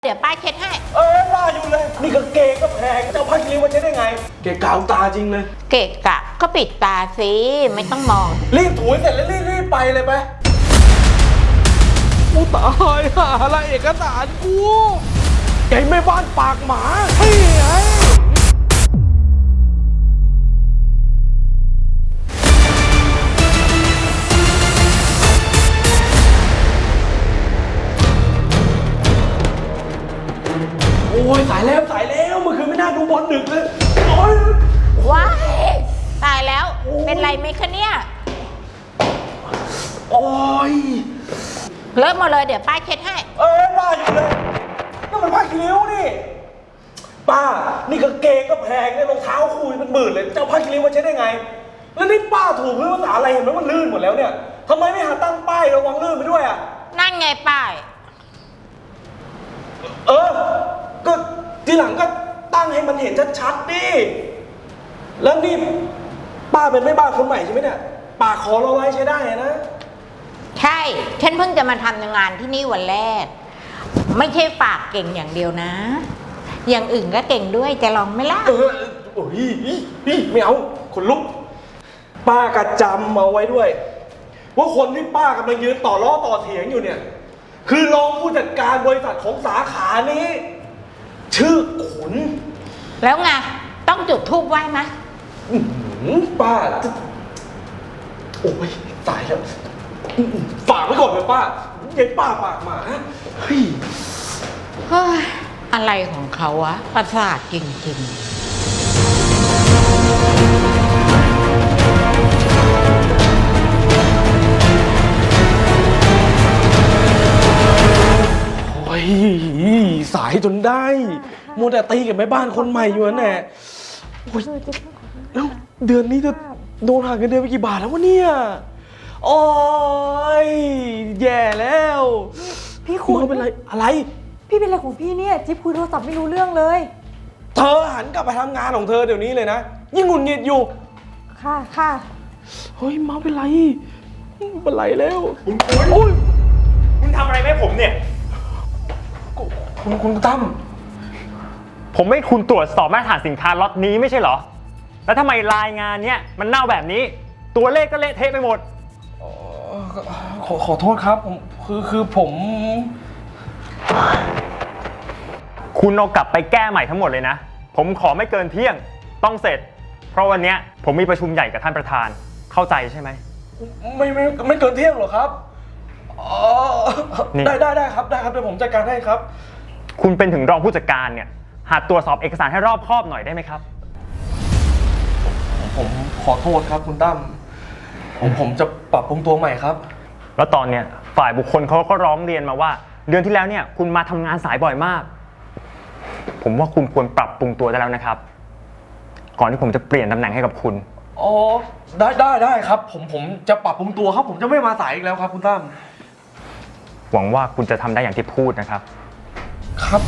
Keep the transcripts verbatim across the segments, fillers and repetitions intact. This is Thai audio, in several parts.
เดี๋ยวป้าเช็ดให้เอ้ยป้าอยู่เลยนี่ก็เกงก็แพงจะเอาผ้าคีริ้วมาใช้ได้ไงเกะกาวตาจริงเลยเกะกะก็ปิดตาสิไม่ต้องมองรีบถูเสร็จแล้วรีบรีบไปเลยไปกูตายหาอะไรเอกสารกูไอ้แม่บ้านปากหมาเฮ้ยไอ้โอ้ยสายแล้วสายแล้วเมื่อคืนไม่น่าดูบอลดึกเลยโอ้ยว้ายตายแล้วเป็นไรไหมคะเนี่ยโอ้ยเลิกหมดเลยเดี๋ยวป้าเช็ดให้เอ้ยป้าอยู่เลยนั่นมันผ้าคีริ้วนี่ป้านี่ก็เกงก็แพงเนี่ยรองเท้าคู่เป็นหมื่นเลยจะเอาผ้าคีริ้วมาใช้ได้ไงแล้วนี่ป้าถูพื้นภาษาอะไรเห็นไหมมันลื่นหมดแล้วเนี่ยทำไมไม่หาตั้งป้ายระวังลื่นไปด้วยอ่ะนั่นไงป้ายเออก็ทีหลังก็ตั้งให้มันเห็นชัดๆดิแล้วนี่ป้าเป็นแม่บ้านคนใหม่ใช่ไหมเนี่ยป้าขอเราไว้ใช้ได้นะใช่ฉันเพิ่งจะมาทำงานที่นี่วันแรกไม่ใช่ปากเก่งอย่างเดียวนะอย่างอื่นก็เก่งด้วยจะลองไหมล่ะเออโอ้ยไม่เอาคนลุกป้ากระจำเอาไว้ด้วยว่าคนที่ป้ากำลังยืนต่อล้อต่อเถียงอยู่เนี่ยคือรองผู้จัดการบริษัทของสาขานี้ชื่อขุนแล้วไงต้องจุดธูปไหว้ไหมป้าโอ้ยตายแล้วฝากไว้ก่อนเลยป้าเย็นป้าปากหมาเฮ้ยเฮ้ยอะไรของเขาวะประสาทจริงๆโอ้ยสายจนได้มัวแต่ตีกับแม่บ้านคนใหม่อยู่นั่นแหละโอ้ยแล้วเดือนนี้จะโดนหักเงินเดือนไปกี่บาทแล้ววะเนี่ยโอ้ยแย่แล้วพี่คุณเป็นไรอะไรพี่เป็นอะไรของพี่เนี่ยจิ๊บคุยโทรศัพท์ไม่รู้เรื่องเลยเธอหันกลับไปทำงานของเธอเดี๋ยวนี้เลยนะยิ่งหงุดหงิดอยู่ค่ะค่ะเฮ้ยมาเป็นไรเป็นไรแล้วคุณคุณคุณทำอะไรให้ผมเนี่ยคุณคุณตั้มผมไม่คุณตรวจสอบมาตรฐานสินค้าล็อตนี้ไม่ใช่เหรอแล้วทำไมรายงานเนี้ยมันเน่าแบบนี้ตัวเลขก็เละเทะไปหมดขอขอโทษครับผมคือคือผมคุณเอากลับไปแก้ใหม่ทั้งหมดเลยนะผมขอไม่เกินเที่ยงต้องเสร็จเพราะวันนี้ผมมีประชุมใหญ่กับท่านประธานเข้าใจใช่ไหมไม่ไม่ไม่เกินเที่ยงหรอครับอ๋อได้ได้ได้ครับได้ครับเดี๋ยวผมจัดการให้ครับคุณเป็นถึงรองผู้จัดการเนี่ยหัดตรวจสอบเอกสารให้รอบคอบหน่อยได้ไหมครับผมขอโทษครับคุณตั้มผมผมจะปรับปรุงตัวใหม่ครับแล้วตอนเนี้ยฝ่ายบุคคลเขาก็ร้องเรียนมาว่าเดือนที่แล้วเนี่ยคุณมาทำงานสายบ่อยมากผมว่าคุณควรปรับปรุงตัวได้แล้วนะครับก่อนที่ผมจะเปลี่ยนตำแหน่งให้กับคุณอ๋อได้ได้ได้ครับผมผมจะปรับปรุงตัวครับผมจะไม่มาสายอีกแล้วครับคุณตั้มหวังว่าคุณจะทำได้อย่างที่พูดนะครับครับ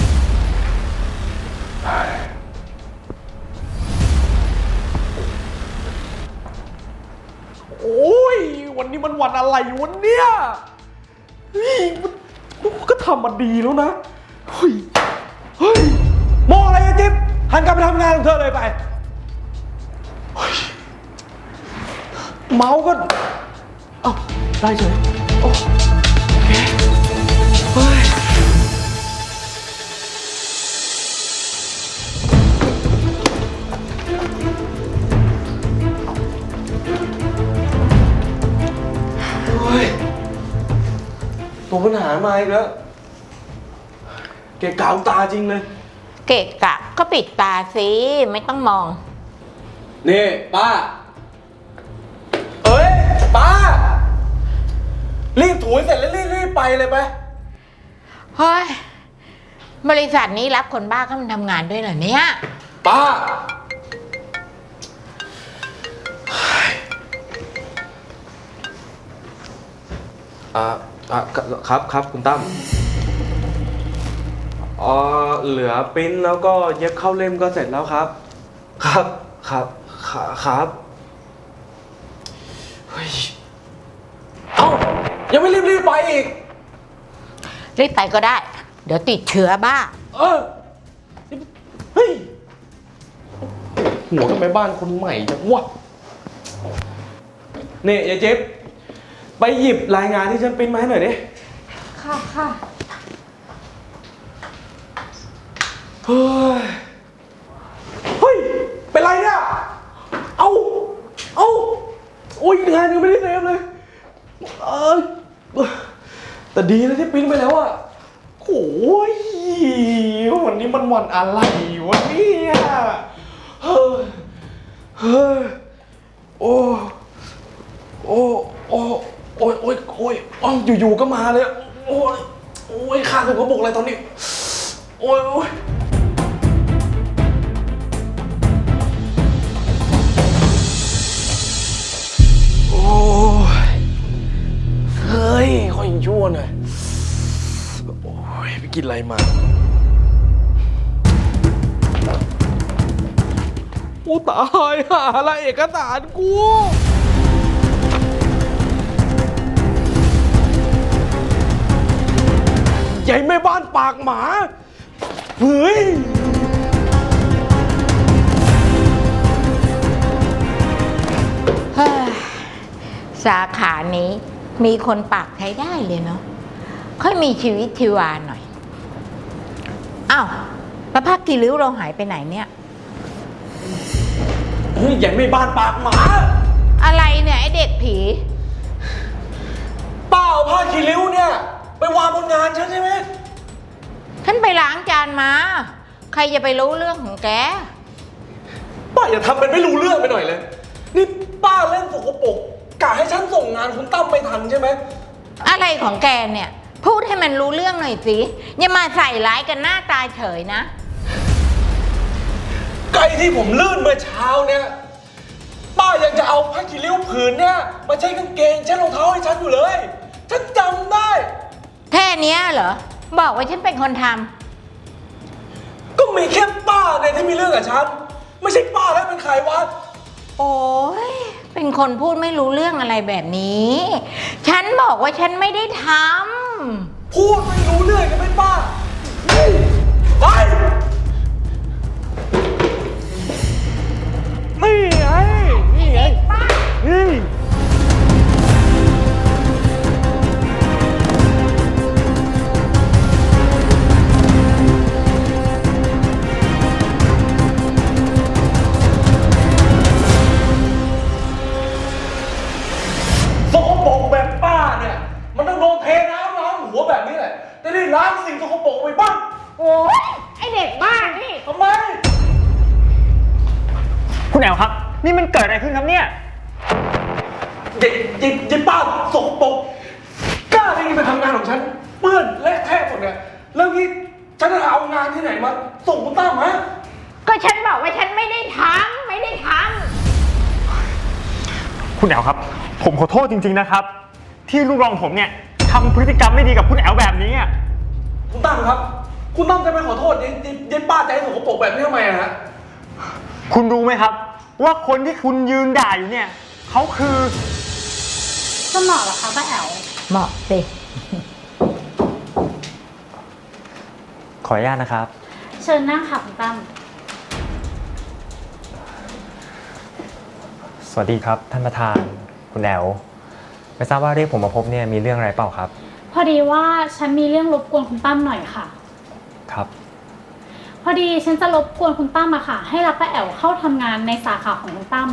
โอ้ยวันนี้มันวันอะไรวันเนี้ยเฮ้ยมันก็ทำมาดีแล้วนะเฮ้ยเฮ้ยมองอะไรอะจิ๊บหันกลับไปทำงานของเธอเลยไปเมาก็เอ้าได้เฉยโอเคเฮ้ยตัวปัญหามาอีกแล้วเกะกาวตาจริงเลยเกะกะก็ปิดตาสิไม่ต้องมองนี่ป้าเอ้ยป้ารีบถูเสร็จแล้วรีบรีบไปเลยไปเฮ้ยบริษัทนี้รับคนบ้าเข้ามาทำงานด้วยเหรอเนี่ยป้าอ่าอ่ะครับครับคุณตั้มอ๋อเหลือปริ้นแล้วก็เย็บเข้าเล่มก็เสร็จแล้วครับครับครับครับเฮ้ยเอ้ายังไม่รีบรีบไปอีกรีบไปก็ได้เดี๋ยวติดเชื้อบ้าเออเฮ้ยหัวกับแม่บ้านคนใหม่จังวะนี่ยายเจ๊บไปหยิบรายงานที่ฉันปริ้นมาให้หน่อยดิค่ะค่ะเฮ้ยเฮ้ยเป็นไรเนี่ยเอาเอาโอ้ยงานยังไม่ได้เซฟเลยเออแต่ดีนะที่ปริ้นไปแล้วอะโอ้ยวันนี้มันวันอะไรวะเนี่ยเฮ้ยเฮ้ยโอ้โอ้โอ้โอ้ยโอ้ยโอ้ยอ้าวอยู่ๆก็มาเลยโอ้ยโอ้ยข้าถูกกระบอกอะไรตอนนี้โอ้ยโอ้ยโอ้ยเฮ้ยคอยชั่วหน่อยโอ้ยไปกินอะไรมาโอ้ตายหาอะไรเอกสารกูใหญ่แม่บ้านปากหมาเฮ้ยเฮ้ยสาขานี้มีคนปากใช้ได้เลยเนาะค่อยมีชีวิตชีวาหน่อยอ้าวแล้วผ้ากีริ้วเราหายไปไหนเนี่ยเฮ้ยใหญ่แม่บ้านปากหมาอะไรเนี่ยไอเด็กผีป้าเอาผ้าคีริ้วเนี่ยไปวางบนงานฉันใช่ไหมฉันไปล้างจานมา ใครจะไปรู้เรื่องของแกป้าอย่าทำเป็นไม่รู้เรื่องไปหน่อยเลยนี่ป้าเล่นสกปรกกะให้ฉันส่งงานคุณตั้มไม่ทันใช่ไหมอะไรของแกเนี่ย พูดให้มันรู้เรื่องหน่อยสิอย่ามาใส่ร้ายกันหน้าตาเฉยนะไก่ที่ผมลื่นเมื่อเช้าเนี่ยป้ายังจะเอาผ้าคีริ้วผืนเนี่ยมาใช้กางเกงเช็ดรองเท้าให้ฉันอยู่เลยฉันจำได้แค่เนี้ยเหรอ บอกว่าฉันเป็นคนทำก็มีแค่ป้าเนี่ยที่มีเรื่องกับฉันไม่ใช่ป้าแล้วเป็นใครวะโอ้ยเป็นคนพูดไม่รู้เรื่องอะไรแบบนี้ ฉันบอกว่าฉันไม่ได้ทำพูดไม่รู้เรื่องกันไหมป้านี่ไปนี่ไงนี่ไงนี่ สกปรกแบบป้าเนี่ยมันต้องโดนเทน้ำล้างหัวแบบนี้แหละจะได้ล้างสิ่งสกปรกไปบ้างโอ้ยไอเด็กบ้านี่ทำไมคุณแอลครับ นี่มันเกิดอะไรขึ้นครับเนี่ยเย็นเย็นเย็นป้าสกปรกกล้าได้ยินไปทำงานของฉันเปื้อนและแทะหมดเนี่ยแล้วนี่ฉันจะเอางานที่ไหนมาส่งคุณตั้มฮะก็ฉันบอกว่าฉันไม่ได้ทำไม่ได้ทคุณแอลครับ ผมขอโทษจริงๆนะครับ ที่ลูกรองผมเนี่ยทำพฤติกรรมไม่ดีกับคุณแอลแบบนี้อะคุณตั้มครับ คุณตั้มจะไปขอโทษเย็นเย็นเย็นป้าใจสกปรกแบบนี้ทำไมอะฮะคุณรู้ไหมครับ ว่าคนที่คุณยืนด่าอยู่เนี่ยเขาคือจะเหมาะเหรอคะป้าแอ๋วำเหมาะสิขออนุญาตนะครับเชิญนั่งค่ะคุณตั้มสวัสดีครับท่านประธานคุณแอลไม่ทราบว่าเรียกผมมาพบเนี่ยมีเรื่องอะไรเปล่าครับพอดีว่าฉันมีเรื่องรบกวนคุณตั้มหน่อยค่ะครับพอดีฉันจะรบกวนคุณตั้มอะค่ะ ให้รับป้าแอ๋วเข้าทำงานในสาขาของคุณตั้ม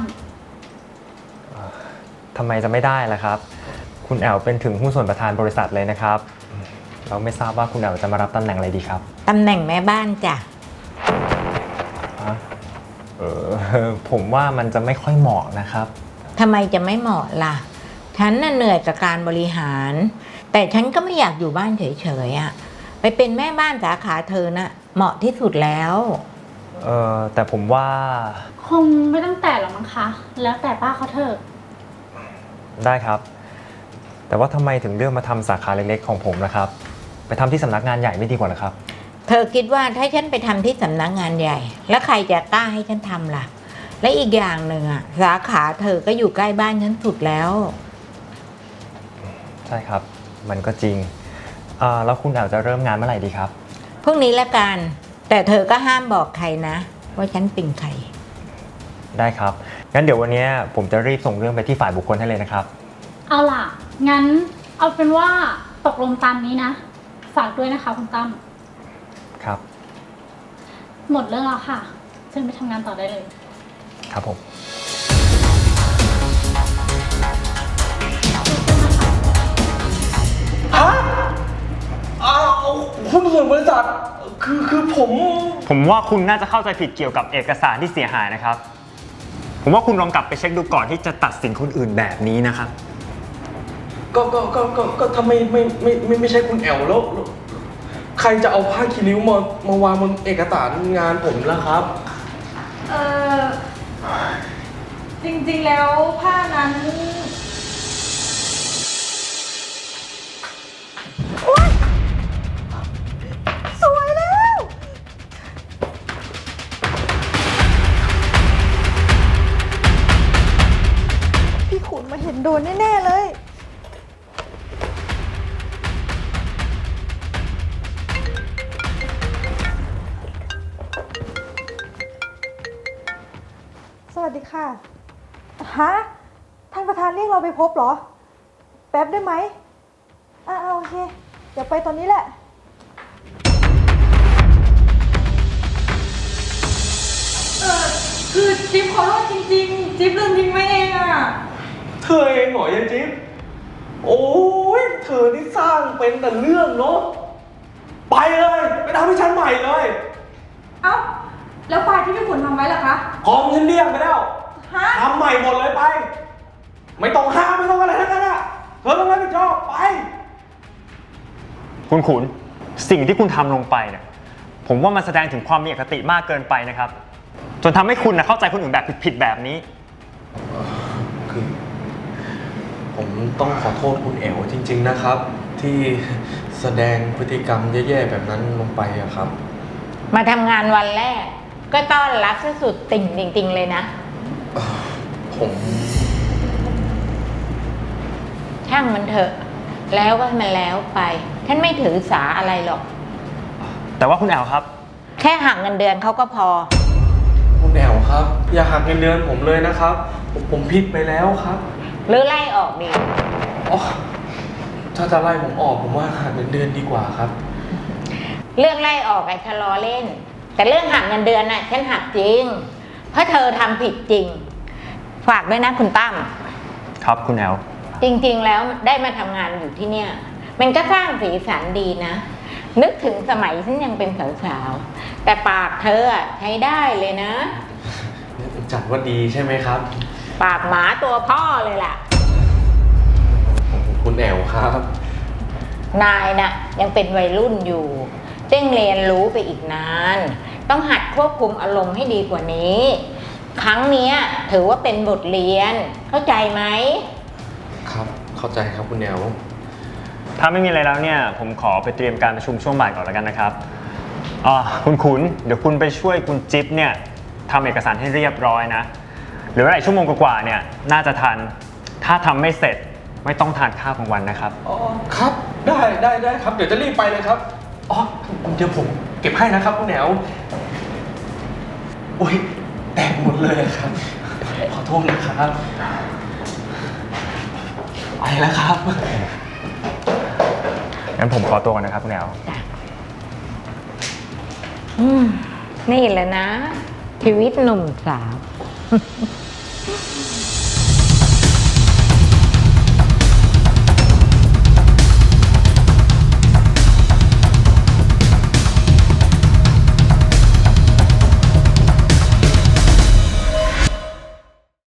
ทำไมจะไม่ได้ล่ะครับ คุณแอลเป็นถึงหุ้นส่วนประธานบริษัทเลยนะครับเราไม่ทราบว่าคุณแอลจะมารับตำแหน่งอะไรดีครับตำแหน่งแม่บ้านจ้ะฮะเออผมว่ามันจะไม่ค่อยเหมาะนะครับทำไมจะไม่เหมาะล่ะ ฉันน่ะเหนื่อยกับการบริหาร แต่ฉันก็ไม่อยากอยู่บ้านเฉยๆอะไปเป็นแม่บ้านสาขาเธอน่ะเหมาะที่สุดแล้วเออแต่ผมว่าคงไม่ต้องแต่หรอกมั้งคะ แล้วแต่ป้าเขาเถอะได้ครับ แต่ว่าทำไมถึงเลือกมาทำสาขาเล็กๆของผมล่ะครับ ไปทำที่สำนักงานใหญ่ไม่ดีกว่าเหรอครับเธอคิดว่าถ้าฉันไปทำที่สำนักงานใหญ่ แล้วใครจะกล้าให้ฉันทำล่ะ และอีกอย่างหนึ่งอะสาขาเธอก็อยู่ใกล้บ้านฉันสุดแล้วใช่ครับ มันก็จริงอ่าแล้วคุณแอลจะเริ่มงานเมื่อไหร่ดีครับพรุ่งนี้ละกัน แต่เธอก็ห้ามบอกใครนะ ว่าฉันเป็นใครได้ครับ งั้นเดี๋ยววันนี้ผมจะรีบส่งเรื่องไปที่ฝ่ายบุคคลให้เลยนะครับเอาล่ะ งั้นเอาเป็นว่าตกลงตามนี้นะ ฝากด้วยนะคะคุณตั้มครับหมดเรื่องแล้วค่ะเชิญไปทำงานต่อได้เลยครับผมฮะอ้าวหุ้นส่วนบริษัท คือคือผมผมว่าคุณน่าจะเข้าใจผิดเกี่ยวกับเอกสารที่เสียหายนะครับ ผมว่าคุณลองกลับไปเช็คดูก่อนที่จะตัดสินคนอื่นแบบนี้นะครับก็ก็ก็ก็ก็ถ้าไม่ไม่ไม่ไม่ไม่ใช่คุณแอลแล้วแล้วใครจะเอาผ้าคีริ้วมามาวางบนเอกสารงานผมล่ะครับเออจริงๆแล้วผ้านั้นโอ๊ยสวยแล้ว พี่ขุนมาเห็นโดนแน่ๆเลย สวัสดีค่ะ ฮะ ท่านประธานเรียกเราไปพบเหรอ แป๊บได้ไหมอ่าโอเค เดี๋ยวไปตอนนี้แหละ เออคือจิ๊บขอโทษจริงๆ จิ๊บลืมทิ้งไว้เองอ่ะเธอเองเหรอยายจิ๊บโอ้ยเธอนี่สร้างเป็นแต่เรื่องเนาะไปเลยไปทำให้ฉันใหม่เลยเอ้า แล้วไฟล์ที่พี่ขุนทำไว้ล่ะคะพร้อมฉันเรียกไปแล้วฮะทำใหม่หมดเลยไป ไม่ต้องห้ามไม่ต้องอะไรทั้งนั้นอ่ะเธอต้องรับผิดชอบไปคุณขุนสิ่งที่คุณทำลงไปเนี่ยผมว่ามันแสดงถึงความมีอคติมากเกินไปนะครับ จนทำให้คุณนะเข้าใจคนอื่นแบบผิดๆแบบนี้คือผมต้องขอโทษคุณแอวจริงๆนะครับ ที่แสดงพฤติกรรมแย่ๆแบบนั้นลงไปอะครับมาทำงานวันแรก ก็ต้อนรับซะสุดติ่งจริงๆเลยนะผมช่างมันเถอะ แล้วก็ให้มันแล้วไป ฉันไม่ถือสาอะไรหรอกแต่ว่าคุณแอลครับแค่หักเงินเดือนเขาก็พอคุณแอวครับ อย่าหักเงินเดือนผมเลยนะครับ ผมผมผิดไปแล้วครับหรือไล่ออกดีอ๋อถ้าจะไล่ผมออกผมว่าหักเงินเดือนดีกว่าครับเรื่องไล่ออกไอ้ชะลอเล่น แต่เรื่องหักเงินเดือนน่ะฉันหักจริง เพราะเธอทำผิดจริง ฝากด้วยนะคุณตั้มครับคุณแอลจริงๆแล้วได้มาทำงานอยู่ที่เนี่ย มันก็สร้างสีสันดีนะ นึกถึงสมัยฉันยังเป็นสาวๆ แต่ปากเธออะใช้ได้เลยนะจัดว่าดีใช่ไหมครับปากหมาตัวพ่อเลยล่ะคุณแอวครับนายน่ะยังเป็นวัยรุ่นอยู่ต้องเรียนรู้ไปอีกนาน ต้องหัดควบคุมอารมณ์ให้ดีกว่านี้ ครั้งเนี้ยถือว่าเป็นบทเรียน เข้าใจไหมครับ เข้าใจครับคุณแอวถ้าไม่มีอะไรแล้วเนี่ยผมขอไปเตรียมการประชุมช่วงบ่ายก่อนแล้วกันนะครับอ่าคุณขุนเดี๋ยวคุณไปช่วยคุณจิ๊บเนี่ยทำเอกสารให้เรียบร้อยนะเหลือเวลาอีกชั่วโมงกว่าๆเนี่ยน่าจะทัน ถ้าทำไม่เสร็จไม่ต้องทานข้าวกลางวันนะครับอ๋อครับได้ได้ได้ครับ เดี๋ยวจะรีบไปเลยครับอ๋อเดี๋ยวผมเก็บให้นะครับคุณแหนวโอ้ยแตกหมดเลยครับ ขอโทษนะครับไปแล้วครับงั้นผมขอตัวก่อนนะครับคุณแอลอืมนี่แหละนะ ชีวิตหนุ่มสาว